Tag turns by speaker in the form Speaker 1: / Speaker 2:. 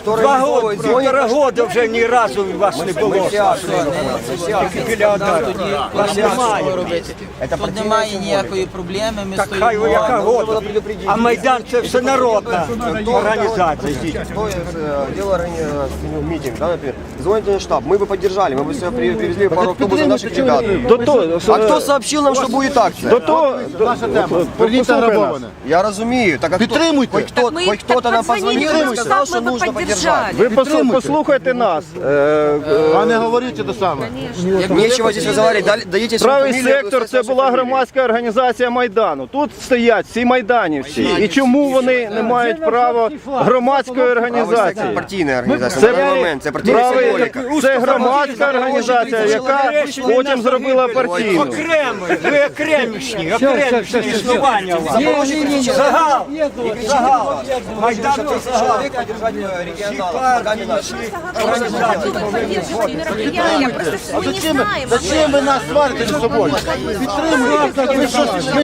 Speaker 1: кто
Speaker 2: 2
Speaker 1: организовывает
Speaker 2: года, півтора года вже ні разу вас не було. Вас немає.
Speaker 3: Тут немає ніякої проблеми, ми
Speaker 2: Так хай ви яка года. А Майдан це все народна організація.
Speaker 1: Дело митинг, да, например. Звоните на штаб, мы бы поддержали, мы бы сюда привезли пару автобусов наших ребят. А кто сообщил нам, что будет акция? Я разумею. Так, хоть кто-то нам позвонил и сказал, что нужно поддержать.
Speaker 4: Ви послухайте нас.
Speaker 5: А не говорите те саме.
Speaker 1: Нечего здесь разговаривать, дадите свою
Speaker 4: Правий
Speaker 1: фамилию,
Speaker 4: сектор
Speaker 1: вы
Speaker 4: це
Speaker 1: скажете
Speaker 4: була
Speaker 1: свою
Speaker 4: громадська організація Майдану. Тут стоять всі майданівці. І чому вони не мають права громадської
Speaker 1: фамилию.
Speaker 4: організації?
Speaker 1: Партийная организация, на данный момент, это партийная символика.
Speaker 4: Це громадська організація, яка потім зробила партійну.
Speaker 2: Окремий, ви окремішні існування у вас. Загал, Майдан це загал. Всі партії, всі організації повинні
Speaker 5: Зачем ви нас сварите між собою? Підтримуйте. Ви що,